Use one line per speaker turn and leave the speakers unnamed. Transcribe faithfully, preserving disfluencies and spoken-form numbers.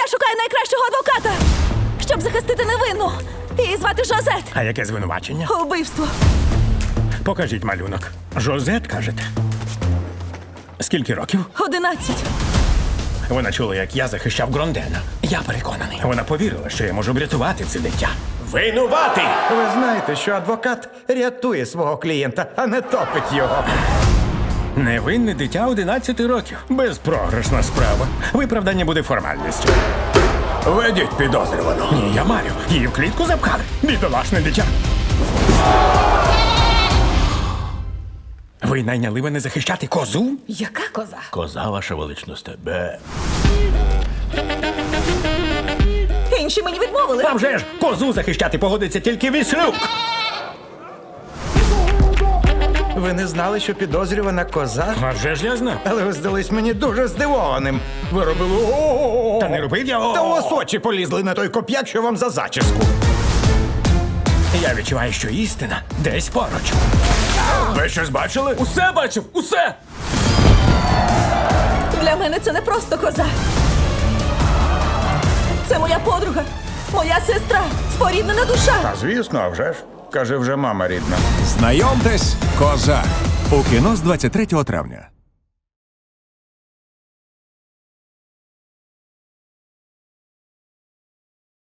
Я шукаю найкращого адвоката, щоб захистити невинну. Її звати Жозет.
А яке звинувачення?
Убивство.
Покажіть малюнок. Жозет, кажете? Скільки років?
Одинадцять.
Вона чула, як я захищав Грондена. Я переконаний. Вона повірила, що я можу врятувати це дитя. Винуватий!
Ви знаєте, що адвокат рятує свого клієнта, а не топить його.
Невинне дитя одинадцяти років. Безпрограшна справа. Виправдання буде формальністю. Ведіть підозрювану. Ні, я марю. Її в клітку запхали. Бідолашне дитя. Ви найняли мене захищати козу?
Яка коза?
Коза, ваша величність, бе.
Інші мені відмовили.
Там же ж козу захищати погодиться тільки Віслюк.
Ви не знали, що підозрювана коза?
А вже ж я знав.
Але ви здались мені дуже здивованим. Ви робили о-о-о.
Та не робив я о.
Та у вас очі полізли на той коп'як, що вам за зачіску.
Я відчуваю, що істина десь поруч. Ви щось бачили?
Усе бачив, усе!
Для мене це не просто коза. Це моя подруга, моя сестра, споріднена душа.
А звісно, а вже ж. Каже, вже мама рідна.
Знайомтесь, коза. У кіно з двадцять третього травня.